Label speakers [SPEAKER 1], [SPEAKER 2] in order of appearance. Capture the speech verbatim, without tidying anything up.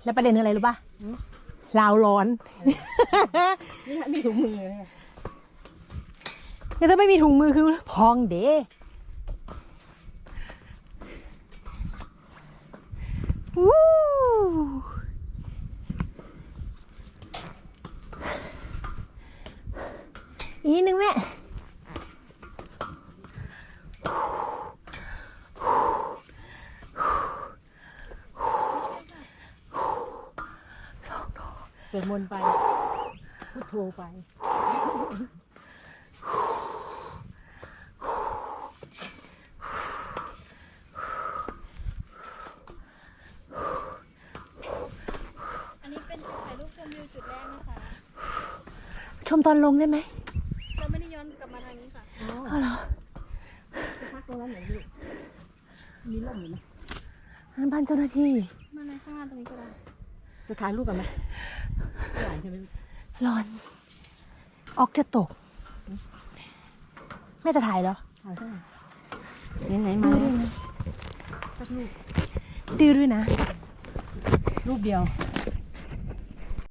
[SPEAKER 1] แล้วประเด็นคืออะไรรู้ป่ะลาวร้อน
[SPEAKER 2] นี่มีถุงมือเลย
[SPEAKER 1] แล้วถ้าไม่มีถุงมือคือพองเด้วู้อีกนิดนึงแม่
[SPEAKER 2] สวดมนต์ไปพุทโธไป
[SPEAKER 3] อันนี้เป็นจุดถ่ายรูปชมวิวจุดแรกนะคะ
[SPEAKER 1] ชมตอนลงได้ไหม
[SPEAKER 3] เราไม่ได้ย้อนกลับมาทางนี้ค่ะ
[SPEAKER 1] อ๋อเหรอ
[SPEAKER 2] จะพักตรงนั้นไหนลูกมีร่มอยู่ไหม
[SPEAKER 1] นั่นบ้านเจ้าหน้าที่
[SPEAKER 3] มาในข้างหน้าตรงนี้ก็ได้
[SPEAKER 2] จะถ่ายรูปกันไหมไม่ไหวใช่ไหม
[SPEAKER 1] ร้อน ออกจะตกแม่จะถ่ายเหรอ
[SPEAKER 2] ถ่ายเท่าไหร่ไหนๆมาแล้วสักรูป
[SPEAKER 1] ดื้อด้วยนะ
[SPEAKER 2] รูปเดียว
[SPEAKER 1] เ